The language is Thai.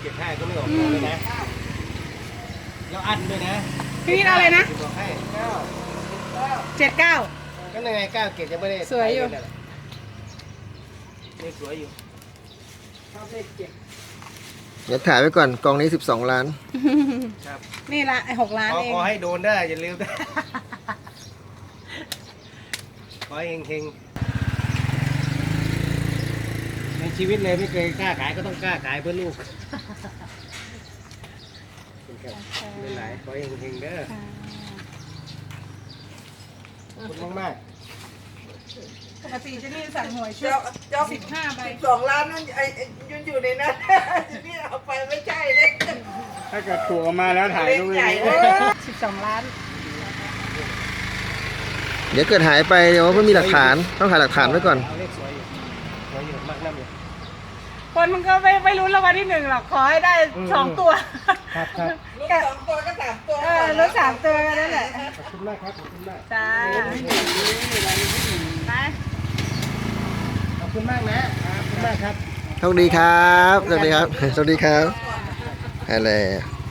75ก็ไม่ออกเลยนะแล้วอันด้วยนะพี่วิทย์เอาอะไรนะบอกให้9 79 ก็ยังไง9เกตจะไม่ได้สวยอยู่นี่สวยอยู่ชอบเลข7 เดี๋ยวถ่ายไว้ก่อนกองนี้12 ล้านครับนี่ละไอ้6 ล้านเองขอให้โดนได้อย่าลืมนะขอให้เฮงๆในชีวิตเลยไม่เคยกล้าขายก็ต้องกล้าขายเพื่อลูกเป็นไรขอให้เฮงๆเด้อขอบคุณมากปกติจะนี่สั่งหวยชุด15 ใบ 12 ล้านนั่นยืนอยู่ในนั้นนี่เอาไปไม่ใช่เลยถ้าเกิดถูกออกมาแล้วถ่ายรูปใหญ่เลย 12 ล้านเดี๋ยวเกิดหายไปเดี๋ยวไม่มีหลักฐานต้องถ่ายหลักฐานไว้ก่อนเอาเลขสวยอยู่สวยอยู่มากน้ำอยู่คนมันก็ไม่รู้รางวัลที่1หรอกขอให้ได้2 ตัวครับครับลูก2 ตัวก็3 ตัวรู้3 ตัวกันนั่นแหละขอบคุณมากครับขอบคุณมากจ้าไปขอบคุณมากนะขอบคุณมากครับโชคดีครับ สวัสดีครับ สวัสดีครับอะไร